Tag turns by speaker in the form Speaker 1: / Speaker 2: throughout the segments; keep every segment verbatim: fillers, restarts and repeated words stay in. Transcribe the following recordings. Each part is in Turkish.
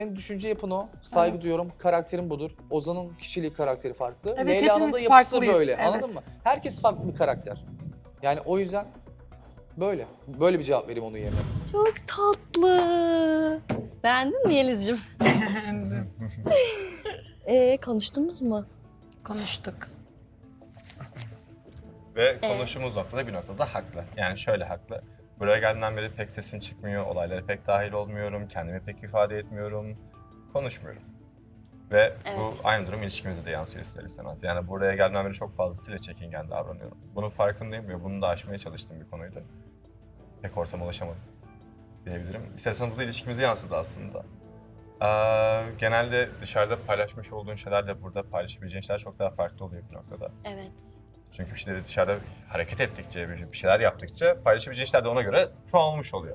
Speaker 1: Senin düşünce yapın o. Saygı
Speaker 2: Evet.
Speaker 1: duyuyorum. Karakterin budur. Ozan'ın kişiliği, karakteri farklı.
Speaker 2: Evet,
Speaker 1: Leyla'nın da
Speaker 2: hepimiz
Speaker 1: yapısı
Speaker 2: farklıyız,
Speaker 1: böyle.
Speaker 2: evet.
Speaker 1: Anladın mı? Herkes farklı bir karakter. Yani o yüzden böyle. Böyle bir cevap vereyim onun yerine.
Speaker 3: Çok tatlı. Beğendin mi Yeliz'cim? Ee, konuştunuz mu?
Speaker 2: Konuştuk.
Speaker 4: Ve konuştuğumuz noktada bir noktada haklı. Yani şöyle haklı. Buraya geldiğimden beri pek sesim çıkmıyor, olaylara pek dahil olmuyorum, kendimi pek ifade etmiyorum, konuşmuyorum. Ve
Speaker 3: Evet.
Speaker 4: bu aynı durum ilişkimize de yansıyor ister istemez. Yani buraya geldiğimden beri çok fazlasıyla çekingen davranıyorum. Bunun farkındayım ve bunu da aşmaya çalıştığım bir konuydu. Pek ortama ulaşamadım diyebilirim. İster istemez bu da ilişkimize yansıdı aslında. Ee, genelde dışarıda paylaşmış olduğun şeylerle burada paylaşabileceğin şeyler çok daha farklı oluyor bir noktada.
Speaker 3: Evet.
Speaker 4: Çünkü bir şeyleri dışarıda hareket ettikçe, bir şeyler yaptıkça paylaşabileceğin şeyler de ona göre çoğalmış oluyor.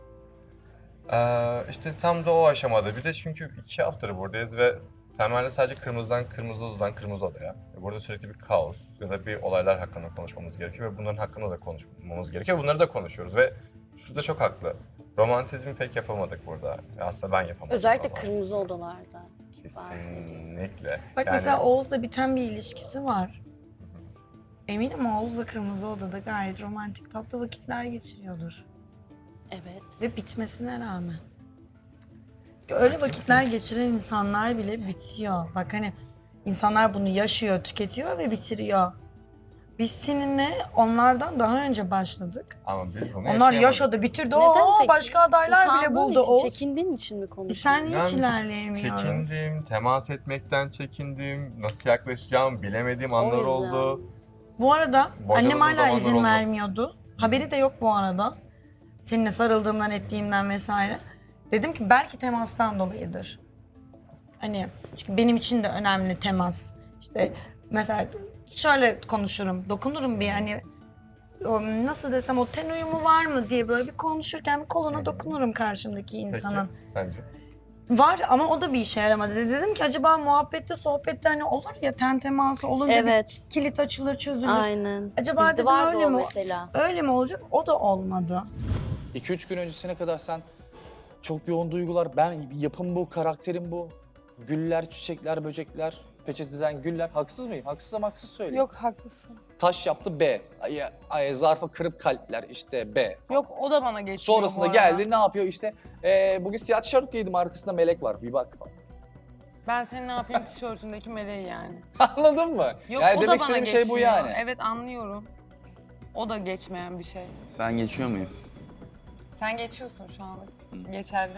Speaker 4: Ee, işte tam da o aşamada. Bir de çünkü iki haftadır buradayız ve temelde sadece kırmızıdan kırmızı odadan kırmızı odaya. Burada sürekli bir kaos ya da bir olaylar hakkında konuşmamız gerekiyor ve bunların hakkında da konuşmamız gerekiyor. Bunları da konuşuyoruz ve şurada çok haklı. Romantizmi pek yapamadık burada. Aslında ben yapamadım.
Speaker 3: Özellikle
Speaker 4: romantizmi.
Speaker 3: kırmızı odalarda.
Speaker 4: Kesinlikle.
Speaker 2: Bak
Speaker 4: Yani-
Speaker 2: mesela Oğuz'la biten bir ilişkisi var. Eminim Oğuz'la Kırmızı Oda'da gayet romantik tatlı vakitler geçiriyordur.
Speaker 3: Evet.
Speaker 2: Ve bitmesine rağmen. Öyle vakitler geçiren insanlar bile bitiyor. Bak hani insanlar bunu yaşıyor, tüketiyor ve bitiriyor. Biz seninle onlardan daha önce başladık.
Speaker 4: Ama biz bunu
Speaker 2: Onlar
Speaker 4: yaşayamadık.
Speaker 2: yaşadı, bitirdi.
Speaker 3: Neden
Speaker 2: Oo,
Speaker 3: peki?
Speaker 2: başka adaylar bile
Speaker 3: Utandığın
Speaker 2: buldu
Speaker 3: için,
Speaker 2: Oğuz.
Speaker 3: çekindiğin için mi
Speaker 2: Biz
Speaker 3: konuşuyorsun?
Speaker 2: seninle hiç
Speaker 4: Ben
Speaker 2: ilerleyemiyoruz.
Speaker 4: Çekindim, temas etmekten çekindim, nasıl yaklaşacağımı bilemediğim anlar
Speaker 3: yüzden.
Speaker 4: oldu.
Speaker 2: Bu arada
Speaker 4: Bocaladığım
Speaker 2: annem hala
Speaker 4: zamanlar
Speaker 2: izin
Speaker 4: oldu.
Speaker 2: vermiyordu. Haberi de yok bu arada. Seninle sarıldığımdan, ettiğimden vesaire. Dedim ki belki temastan dolayıdır. Hani çünkü benim için de önemli temas. İşte mesela şöyle konuşurum, dokunurum bir hani o nasıl desem o ten uyumu var mı diye böyle bir konuşurken bir koluna dokunurum karşımdaki insanın.
Speaker 4: Peki, sence?
Speaker 2: Var ama o da bir işe yaramadı. Dedim ki acaba muhabbette, sohbette hani olur ya ten teması olunca
Speaker 3: Evet.
Speaker 2: bir kilit açılır, çözülür.
Speaker 3: Aynen.
Speaker 2: Acaba
Speaker 3: Bizde
Speaker 2: dedim
Speaker 3: vardı
Speaker 2: öyle
Speaker 3: o
Speaker 2: mi?
Speaker 3: mesela.
Speaker 2: Öyle mi olacak? O da olmadı.
Speaker 1: iki üç gün öncesine kadar sen çok yoğun duygular, ben yapım bu, karakterim bu. Güller, çiçekler, böcekler, peçeteden güller. Haksız mıyım? Haksızsam haksız söyleyeyim.
Speaker 5: Yok haklısın.
Speaker 1: Taş yaptı B. Ay, ay, zarfa kırıp kalpler işte B.
Speaker 5: Yok o da bana geçmiyor
Speaker 1: Sonrasında
Speaker 5: bu arada.
Speaker 1: geldi ne yapıyor işte. Ee, bugün siyah tişört giydim, arkasında melek var, bir bak falan.
Speaker 5: Ben senin ne yapayım tişörtündeki meleği yani.
Speaker 1: Anladın mı?
Speaker 5: Yok
Speaker 1: yani
Speaker 5: o da
Speaker 1: demek
Speaker 5: bana
Speaker 1: istediğim
Speaker 5: geçmiyor.
Speaker 1: şey bu yani.
Speaker 5: Evet anlıyorum. O da geçmeyen bir şey.
Speaker 6: Ben geçiyor muyum?
Speaker 5: Sen geçiyorsun şu an. Geçerli.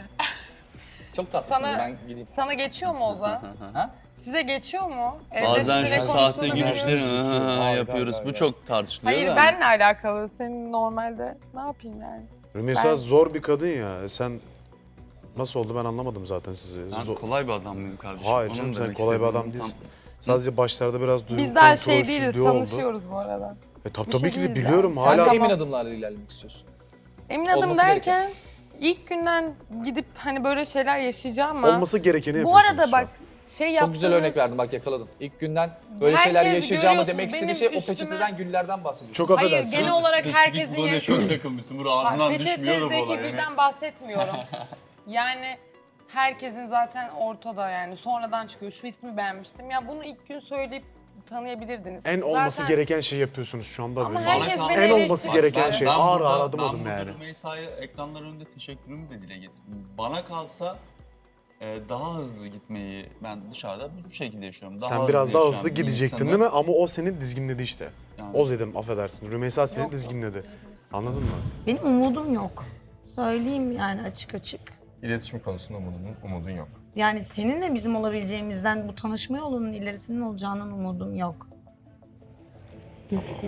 Speaker 1: Çok tatlısın,
Speaker 5: Sana-
Speaker 1: ben gideyim.
Speaker 5: Sana geçiyor mu Ozan?
Speaker 1: Ha?
Speaker 5: Size geçiyor mu? Evde
Speaker 6: Bazen
Speaker 5: şimdi ne
Speaker 6: şu
Speaker 5: konuştuğunu
Speaker 6: sahte
Speaker 5: bilmiyorum.
Speaker 6: gülüşleri
Speaker 1: bilmiyorum.
Speaker 6: hı hı hı
Speaker 1: Hayır,
Speaker 6: yapıyoruz.
Speaker 1: hayır,
Speaker 6: Bu
Speaker 1: hayır.
Speaker 6: çok tartışılıyor
Speaker 5: Hayır
Speaker 6: da.
Speaker 5: benle alakalı. Senin normalde ne yapayım yani?
Speaker 7: Rümeysa
Speaker 5: Ben-
Speaker 7: zor bir kadın ya. Sen nasıl oldu ben anlamadım zaten sizi.
Speaker 6: Ben
Speaker 7: Zor-
Speaker 6: kolay bir adam mıyım kardeşim?
Speaker 7: Hayır
Speaker 6: Onu
Speaker 7: canım
Speaker 6: mu
Speaker 7: sen
Speaker 6: demek
Speaker 7: kolay bir
Speaker 6: istediğim
Speaker 7: adam
Speaker 6: tam-
Speaker 7: değilsin. Sadece başlarda biraz duygu
Speaker 5: Biz daha şey değiliz,
Speaker 7: kontrolsüzlüğü oldu.
Speaker 5: tanışıyoruz bu arada.
Speaker 7: E, tabii
Speaker 5: Bir
Speaker 7: tabii
Speaker 5: şey
Speaker 7: ki de
Speaker 5: değiliz
Speaker 7: biliyorum
Speaker 5: yani.
Speaker 1: Sen
Speaker 7: hala.
Speaker 1: de emin adımlarla ilerlemek istiyorsun.
Speaker 5: Emin adım
Speaker 1: Olması
Speaker 5: derken ilk günden gidip hani böyle şeyler yaşayacağım ama
Speaker 7: Olması gerekeni
Speaker 5: bu
Speaker 7: yapıyorsunuz
Speaker 5: arada
Speaker 7: şu an.
Speaker 5: bak şey yaptığınız...
Speaker 1: Çok güzel örnek verdin, bak yakaladın. İlk günden böyle
Speaker 5: Herkes
Speaker 1: şeyler yaşayacağımı
Speaker 5: görüyorsun,
Speaker 1: demek istediği
Speaker 5: benim
Speaker 1: şey o
Speaker 5: üstüme-
Speaker 1: peçeteden güllerden bahsediyor.
Speaker 7: Çok
Speaker 5: Hayır
Speaker 7: affedersin.
Speaker 5: genel olarak
Speaker 6: Spesifik
Speaker 5: herkesin...
Speaker 6: bu konuya çok takılmışsın. Burada ağzından düşmüyor da bu
Speaker 5: Peçetedeki
Speaker 6: olay.
Speaker 5: gülden bahsetmiyorum. Yani herkesin zaten ortada yani sonradan çıkıyor. Şu ismi beğenmiştim. Ya bunu ilk gün söyleyip tanıyabilirdiniz.
Speaker 7: En olması
Speaker 5: Zaten-
Speaker 7: gereken şey yapıyorsunuz şu anda.
Speaker 5: Ama
Speaker 7: benim.
Speaker 5: herkes
Speaker 6: Bana
Speaker 5: beni
Speaker 7: en olması
Speaker 5: eleştiriyor.
Speaker 7: gereken
Speaker 6: Ben-
Speaker 7: şey.
Speaker 6: ben
Speaker 7: Ağır
Speaker 6: burada-
Speaker 7: ağır adım adım
Speaker 6: Ben
Speaker 7: yani.
Speaker 6: burada Rümeysa'ya ekranlar önünde teşekkürümü de dile getirdim. Bana kalsa e, daha hızlı gitmeyi ben dışarıda bu şekilde yaşıyorum. Daha
Speaker 7: Sen biraz daha
Speaker 6: yaşayan
Speaker 7: hızlı
Speaker 6: bir
Speaker 7: gidecektin
Speaker 6: insanı-
Speaker 7: değil mi? Ama o seni dizginledi işte.
Speaker 6: Yani-
Speaker 7: O dedim affedersin. Rümeysa seni
Speaker 5: Yok,
Speaker 7: dizginledi. Anladın mı?
Speaker 2: Benim umudum yok. Söyleyeyim yani açık açık.
Speaker 4: İletişim konusunda umudun, umudun yok.
Speaker 2: Yani seninle bizim olabileceğimizden bu tanışma yolunun ilerisinin olacağının umudum yok.
Speaker 3: Nasıl?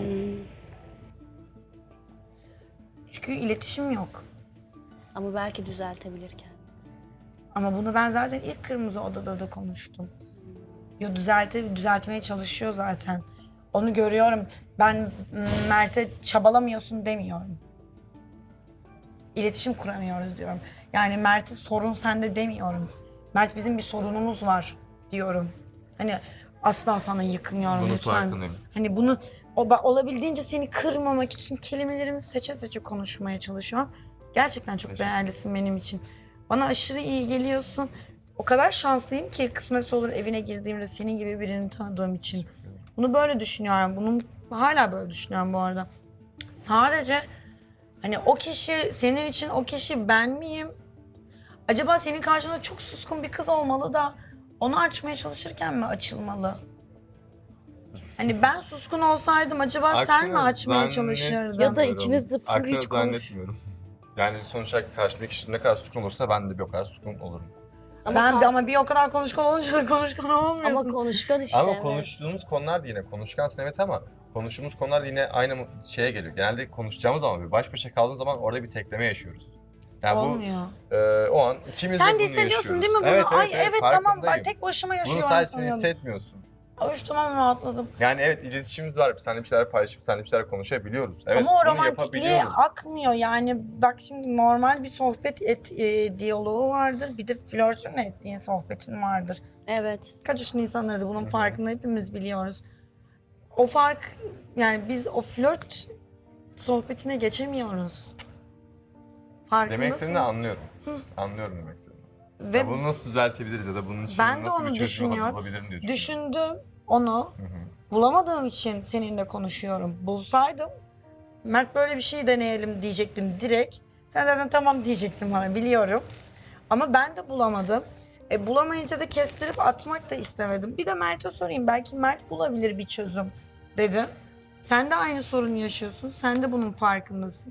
Speaker 2: Çünkü iletişim yok.
Speaker 3: Ama belki düzeltebilirken.
Speaker 2: Ama bunu ben zaten ilk Kırmızı Oda'da da konuştum. Yo düzelte, düzeltmeye çalışıyor zaten. Onu görüyorum. Ben m, Mert'e çabalamıyorsun demiyorum. İletişim kuramıyoruz diyorum. Yani Mert'e sorun sende demiyorum. Mert bizim bir sorunumuz var diyorum. Hani asla sana yıkmıyorum
Speaker 4: Bunun
Speaker 2: lütfen.
Speaker 4: farkındayım.
Speaker 2: Hani bunu o, ba- olabildiğince seni kırmamak için kelimelerimi seçe seçe konuşmaya çalışıyorum. Gerçekten çok
Speaker 4: Teşekkür
Speaker 2: değerlisin benim için. Bana aşırı iyi geliyorsun. O kadar şanslıyım ki kısmetse olur evine girdiğimde senin gibi birini tanıdığım için. Bunu böyle düşünüyorum. Bunu hala böyle düşünüyorum bu arada. Sadece hani o kişi senin için o kişi ben miyim? Acaba senin karşında çok suskun bir kız olmalı da onu açmaya çalışırken mi açılmalı? Hani ben suskun olsaydım acaba sen mi
Speaker 4: Aksine
Speaker 2: açmaya
Speaker 4: zannet-
Speaker 2: çalışırdın?
Speaker 3: Ya da ikiniz de full
Speaker 4: Aksine
Speaker 3: hiç konuş.
Speaker 4: zannetmiyorum. Yani sonuç olarak karşımdaki kişi ne kadar sukun olursa ben de bir o kadar sukun olurum.
Speaker 3: Ama,
Speaker 2: Ben
Speaker 3: karşı-
Speaker 2: ama bir o kadar konuşkan olunca da konuşkan
Speaker 3: ama
Speaker 2: olmuyorsun.
Speaker 3: konuşkan işte.
Speaker 4: ama
Speaker 3: evet.
Speaker 4: konuştuğumuz konular da yine konuşkansın evet ama konuştuğumuz konular da yine aynı şeye geliyor. Genelde konuşacağımız zaman bir baş başa kaldığımız zaman orada bir tekleme yaşıyoruz. Yani
Speaker 2: Olmuyor.
Speaker 4: bu e, o an ikimiz de
Speaker 2: Sen
Speaker 4: bunu
Speaker 2: de hissediyorsun
Speaker 4: yaşıyoruz.
Speaker 2: değil mi bunu?
Speaker 4: Evet, evet,
Speaker 2: Ay evet, tamam ben
Speaker 4: farkındayım.
Speaker 2: tek başıma
Speaker 4: Bunu
Speaker 2: yaşıyorum
Speaker 4: sadece sen
Speaker 2: sanıyordum.
Speaker 4: hissetmiyorsun.
Speaker 2: Ay tamam rahatladım.
Speaker 4: Yani evet iletişimimiz var. Seninle bir şeyler paylaşıp seninle bir şeyler konuşabiliyoruz. Evet
Speaker 2: Ama o
Speaker 4: bunu
Speaker 2: romantikliğe
Speaker 4: yapabiliyoruz.
Speaker 2: akmıyor yani. Bak şimdi normal bir sohbet et, e, diyaloğu vardır. Bir de flörtün ettiğin sohbetin vardır.
Speaker 3: Evet.
Speaker 2: Kaç yaşında insanlarız bunun
Speaker 4: Hı hı.
Speaker 2: farkında hepimiz biliyoruz. O fark yani biz o flört sohbetine geçemiyoruz. Farkındasın.
Speaker 4: Demek istediğini anlıyorum. Anlıyorum demek istediğini.
Speaker 2: Ve
Speaker 4: Ya bunu nasıl düzeltebiliriz ya da bunun için
Speaker 2: Ben de
Speaker 4: nasıl
Speaker 2: onu
Speaker 4: bir çözüm
Speaker 2: düşünüyorum.
Speaker 4: bulabilirim diye düşünüyorum.
Speaker 2: düşündüm onu.
Speaker 4: Hı hı.
Speaker 2: Bulamadığım için seninle konuşuyorum. Bulsaydım Mert böyle bir şey deneyelim diyecektim direkt. Sen zaten tamam diyeceksin bana biliyorum. Ama ben de bulamadım. E, bulamayınca da kestirip atmak da istemedim. Bir de Mert'e sorayım. Belki Mert bulabilir bir çözüm dedim. Sen de aynı sorunu yaşıyorsun. Sen de bunun farkındasın.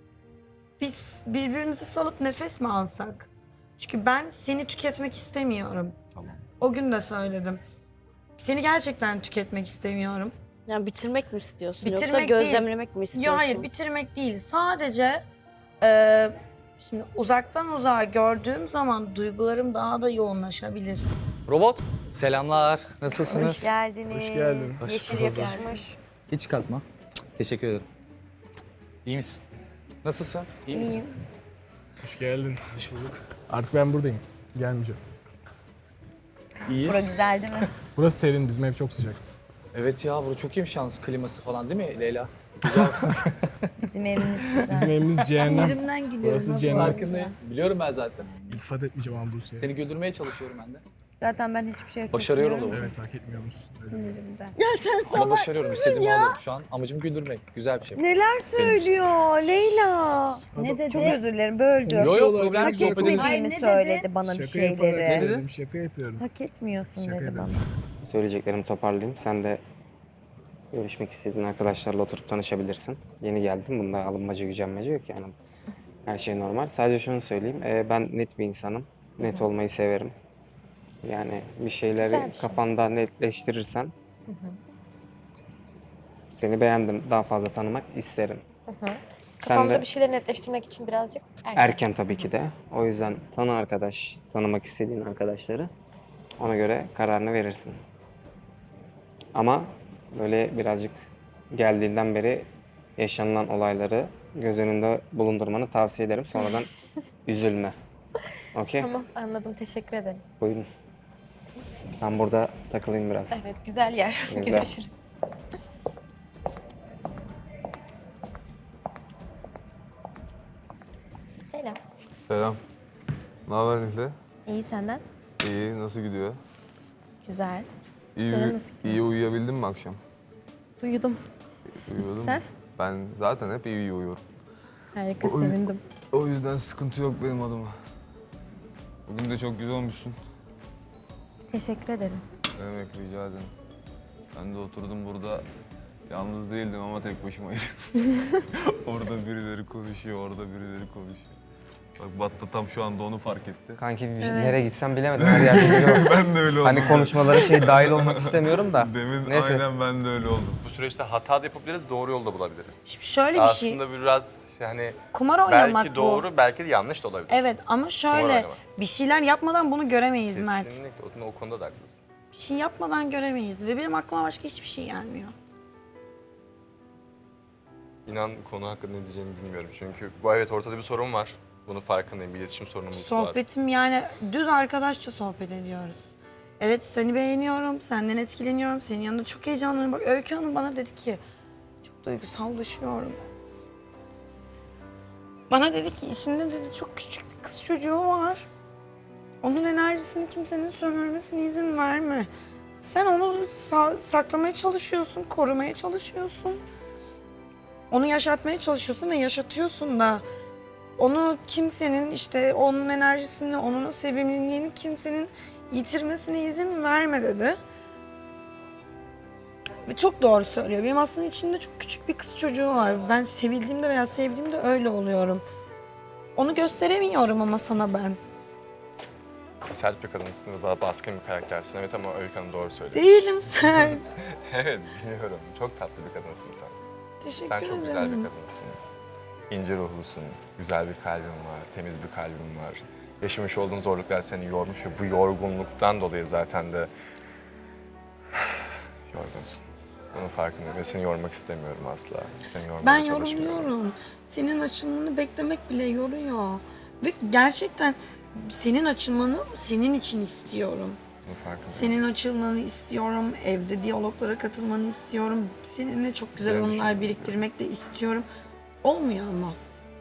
Speaker 2: Biz birbirimizi salıp nefes mi alsak? Çünkü ben seni tüketmek istemiyorum.
Speaker 4: Tamam.
Speaker 2: O gün de söyledim. Seni gerçekten tüketmek istemiyorum.
Speaker 3: Yani bitirmek mi istiyorsun
Speaker 2: Bitirmek
Speaker 3: yoksa
Speaker 2: değil.
Speaker 3: gözlemlemek mi istiyorsun?
Speaker 2: Yok hayır bitirmek değil. Sadece e, şimdi uzaktan uzağa gördüğüm zaman duygularım daha da yoğunlaşabilir.
Speaker 1: Robot. Selamlar. Nasılsınız?
Speaker 8: Hoş geldiniz.
Speaker 7: Hoş geldin.
Speaker 8: Yeşil yakışmış.
Speaker 1: Hiç kalkma. Teşekkür ederim. İyi misin? Nasılsın? İyi misin?
Speaker 8: İyiyim.
Speaker 9: Hoş geldin. Hoş bulduk. Artık ben buradayım. Gelmeyeceğim.
Speaker 1: İyi.
Speaker 8: Bura güzel değil mi?
Speaker 9: Burası serin, bizim ev çok sıcak.
Speaker 1: Evet ya burada çok iyiymiş yalnız kliması falan değil mi Leyla?
Speaker 8: Bizim evimiz güzel.
Speaker 9: Bizim evimiz cehennem.
Speaker 8: Yerimden gülüyorum.
Speaker 9: Burası
Speaker 8: ha bu
Speaker 9: cennet.
Speaker 8: arada.
Speaker 1: Farkındayım. Biliyorum ben zaten.
Speaker 9: İltifat etmeyeceğim ama Buse'ye.
Speaker 1: Seni güldürmeye çalışıyorum ben de.
Speaker 8: Zaten ben hiçbir şey hak
Speaker 1: Başarıyorum
Speaker 8: etmiyorum.
Speaker 1: da bunu.
Speaker 9: Evet, hak etmiyor musun? Öyle.
Speaker 8: Sinirimden.
Speaker 1: Ama başarıyorum. İstediğimi alıyorum şu an. Amacım güldürmek. Güzel bir şey.
Speaker 8: Neler söylüyor Leyla? Ne dedi? Çok özür dilerim böldüm.
Speaker 1: Yo yo problem
Speaker 8: Hak
Speaker 1: değil. Sohbet edelim.
Speaker 8: etmediğimi
Speaker 9: Hayır,
Speaker 8: söyledi bana bir
Speaker 9: Şaka yaparak
Speaker 8: şeyleri.
Speaker 9: söyledim, şaka yapıyorum.
Speaker 8: Hak etmiyorsun
Speaker 9: Şaka
Speaker 8: dedi bana.
Speaker 9: yapıyorum.
Speaker 10: Söyleyeceklerimi toparlayayım. Sen de görüşmek istediğin arkadaşlarla oturup tanışabilirsin. Yeni geldim. Bunda alınmaca, gücenmece yok yani. Her şey normal. Sadece şunu söyleyeyim. Ee, ben net bir insanım. Net olmayı severim. Yani bir şeyleri
Speaker 8: Güzel bir şey.
Speaker 10: kafanda netleştirirsen seni beğendim. Daha fazla tanımak isterim. Sen
Speaker 11: Kafamda
Speaker 10: de
Speaker 11: bir şeyleri netleştirmek için birazcık erken.
Speaker 10: erken tabii ki de. O yüzden tanı arkadaş, tanımak istediğin arkadaşları. Ona göre kararını verirsin. Ama böyle birazcık geldiğinden beri yaşanılan olayları göz önünde bulundurmanı tavsiye ederim. Sonradan üzülme. Okey?
Speaker 11: Tamam anladım teşekkür ederim.
Speaker 10: Buyurun. Ben burada takılayım biraz.
Speaker 11: Evet güzel yer.
Speaker 10: Güzel.
Speaker 11: Görüşürüz. Selam.
Speaker 12: Selam. Ne haber Nihle?
Speaker 11: İyi senden?
Speaker 12: İyi, nasıl gidiyor?
Speaker 11: Güzel.
Speaker 12: İyi,
Speaker 11: Senin
Speaker 12: uyu-
Speaker 11: nasıl gidiyor?
Speaker 12: iyi uyuyabildin mi akşam?
Speaker 11: Uyudum.
Speaker 12: Uyuyordun
Speaker 11: Sen?
Speaker 12: mu? Ben zaten hep iyi uyuyorum.
Speaker 11: Harika
Speaker 12: Oy.
Speaker 11: sevindim.
Speaker 12: O yüzden sıkıntı yok benim adıma. Bugün de çok güzel olmuşsun.
Speaker 11: Teşekkür ederim.
Speaker 12: Ne demek, rica ederim. Ben de oturdum burada. Yalnız değildim ama tek başımaydım. Orada birileri konuşuyor, orada birileri konuşuyor. Bak Batta tam şu anda onu fark etti.
Speaker 10: Kanki bir-
Speaker 11: Evet.
Speaker 10: nereye gitsem bilemedim. Her yerde biri var.
Speaker 12: Ben de öyle oldum.
Speaker 10: Hani konuşmalara şey dahil olmak istemiyorum da.
Speaker 12: Demin
Speaker 10: Neyse.
Speaker 12: aynen ben de öyle oldum.
Speaker 4: Bu süreçte hata da yapabiliriz, doğru yolda bulabiliriz.
Speaker 2: Şimdi şöyle bir şey.
Speaker 4: Aslında biraz işte hani
Speaker 2: Kumar oynamak
Speaker 4: belki
Speaker 2: bu.
Speaker 4: doğru, belki de yanlış da olabilir.
Speaker 2: Evet ama şöyle
Speaker 4: oynamak.
Speaker 2: bir şeyler yapmadan bunu göremeyiz Mert.
Speaker 4: Kesinlikle o, o konuda da haklısın.
Speaker 2: Bir şey yapmadan göremeyiz ve benim aklıma başka hiçbir şey gelmiyor.
Speaker 4: İnan konu hakkında ne diyeceğimi bilmiyorum. Çünkü bu evet ortada bir sorun var. Bunun farkındayım. Bir iletişim sorunumuz var.
Speaker 2: Sohbetim yani düz arkadaşça sohbet ediyoruz. Evet seni beğeniyorum, senden etkileniyorum, senin yanında çok heyecanlıyım. Bak Öykü Hanım bana dedi ki çok duygusallaşıyorum. Bana dedi ki içinde dedi çok küçük bir kız çocuğu var. Onun enerjisini kimsenin sömürmesine izin verme. Sen onu sa- saklamaya çalışıyorsun, korumaya çalışıyorsun. Onu yaşatmaya çalışıyorsun ve yaşatıyorsun da. Onu kimsenin işte onun enerjisini, onun sevimliliğini kimsenin yitirmesine izin verme dedi. Ve çok doğru söylüyor. Benim aslında içimde çok küçük bir kız çocuğu var. Ben sevildiğimde veya sevdiğimde öyle oluyorum. Onu gösteremiyorum ama sana ben.
Speaker 4: Sert bir kadınsın ve ba- baskın bir karaktersin. Evet ama Öykü Hanım doğru söylüyor.
Speaker 2: Değilim sen.
Speaker 4: Evet biliyorum. Çok tatlı bir kadınsın sen.
Speaker 2: Teşekkür
Speaker 4: Sen çok
Speaker 2: ederim.
Speaker 4: güzel bir kadınsın. İnce ruhlusun, güzel bir kalbin var, temiz bir kalbin var. Yaşamış olduğun zorluklar seni yormuş ve bu yorgunluktan dolayı zaten de yorgunsun. Bunun farkındayım ve seni yormak istemiyorum asla. Seni yormaya
Speaker 2: Ben
Speaker 4: çalışmıyorum.
Speaker 2: yoruluyorum. Senin açılmanı beklemek bile yoruyor. Ve gerçekten senin açılmanı senin için istiyorum.
Speaker 4: Bunun farkındayım.
Speaker 2: Senin açılmanı istiyorum. Evde diyaloglara katılmanı istiyorum. Seninle çok güzel
Speaker 4: Güzel
Speaker 2: anılar
Speaker 4: düşünüyorum.
Speaker 2: biriktirmek de istiyorum. Olmuyor ama.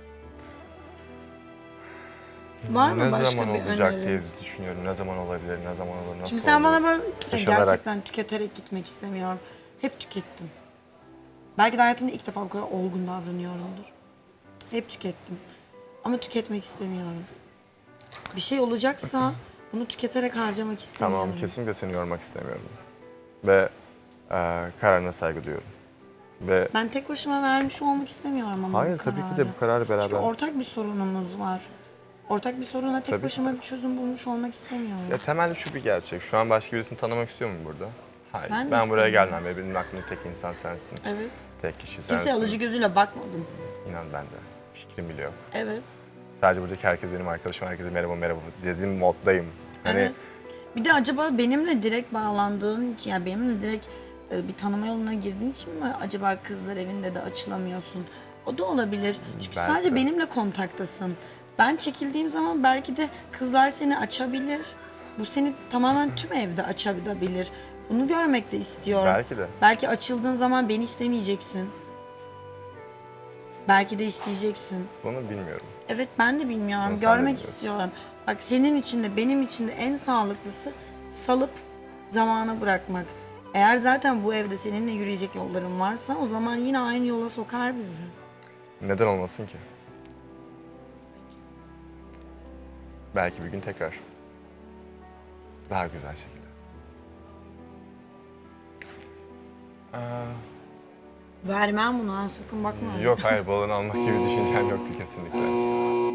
Speaker 2: Var mı
Speaker 4: ne
Speaker 2: başka
Speaker 4: zaman
Speaker 2: bir
Speaker 4: olacak
Speaker 2: önerin?
Speaker 4: diye düşünüyorum. Ne zaman olabilir, ne zaman olur, nasıl
Speaker 2: Şimdi sen
Speaker 4: olur?
Speaker 2: bana böyle
Speaker 4: Yaşanarak.
Speaker 2: gerçekten tüketerek gitmek istemiyorum. Hep tükettim. Belki de hayatımda ilk defa bu kadar olgun davranıyorumdur. Hep tükettim. Ama tüketmek istemiyorum. Bir şey olacaksa bunu tüketerek harcamak istemiyorum.
Speaker 4: Tamam, kesinlikle seni yormak istemiyorum. Ve e, kararına saygı duyuyorum. Ve
Speaker 2: Ben tek başıma vermiş olmak istemiyorum ama
Speaker 4: hayır
Speaker 2: bu
Speaker 4: tabii ki
Speaker 2: kararı.
Speaker 4: de bu kararı beraber.
Speaker 2: Çünkü ortak bir sorunumuz var. Ortak bir soruna tek
Speaker 4: Tabii.
Speaker 2: başıma bir çözüm bulmuş olmak istemiyorum.
Speaker 4: Ya temelde şu bir gerçek. Şu an başka birisini tanımak istiyor muyum burada? Hayır.
Speaker 2: Ben
Speaker 4: Ben,
Speaker 2: de
Speaker 4: buraya
Speaker 2: istemiyorum.
Speaker 4: gelmem ve benim aklımda tek insan sensin.
Speaker 2: Evet.
Speaker 4: Tek kişi sensin.
Speaker 2: Kimseye alıcı gözüyle bakmadım.
Speaker 4: İnan ben de. Fikrim bile yok.
Speaker 2: Evet.
Speaker 4: Sadece buradaki herkes benim arkadaşım. Herkese merhaba merhaba dediğim moddayım. Hani
Speaker 2: Evet. Bir de acaba benimle direkt bağlandığın için, yani benimle direkt e, bir tanıma yoluna girdiğin için mi acaba kızlar evinde de açılamıyorsun? O da olabilir. Çünkü
Speaker 4: Belki
Speaker 2: sadece
Speaker 4: de.
Speaker 2: benimle kontaktasın. Ben çekildiğim zaman belki de kızlar seni açabilir. Bu seni tamamen tüm evde açabilir. Bunu görmek de istiyorum.
Speaker 4: belki de.
Speaker 2: Belki açıldığın zaman beni istemeyeceksin. Belki de isteyeceksin.
Speaker 4: Bunu bilmiyorum.
Speaker 2: Evet, ben de bilmiyorum.
Speaker 4: Bunu sen de
Speaker 2: Görmek
Speaker 4: biliyorsun.
Speaker 2: istiyorum. Bak senin için de benim için de en sağlıklısı salıp zamana bırakmak. Eğer zaten bu evde seninle yürüyecek yolların varsa o zaman yine aynı yola sokar bizi.
Speaker 4: Neden olmasın ki? Belki bir gün tekrar. Daha güzel şekilde. Aa,
Speaker 2: Vermem bunu ha, sakın bakma.
Speaker 4: yok hayır balını almak gibi düşüncem yoktu kesinlikle.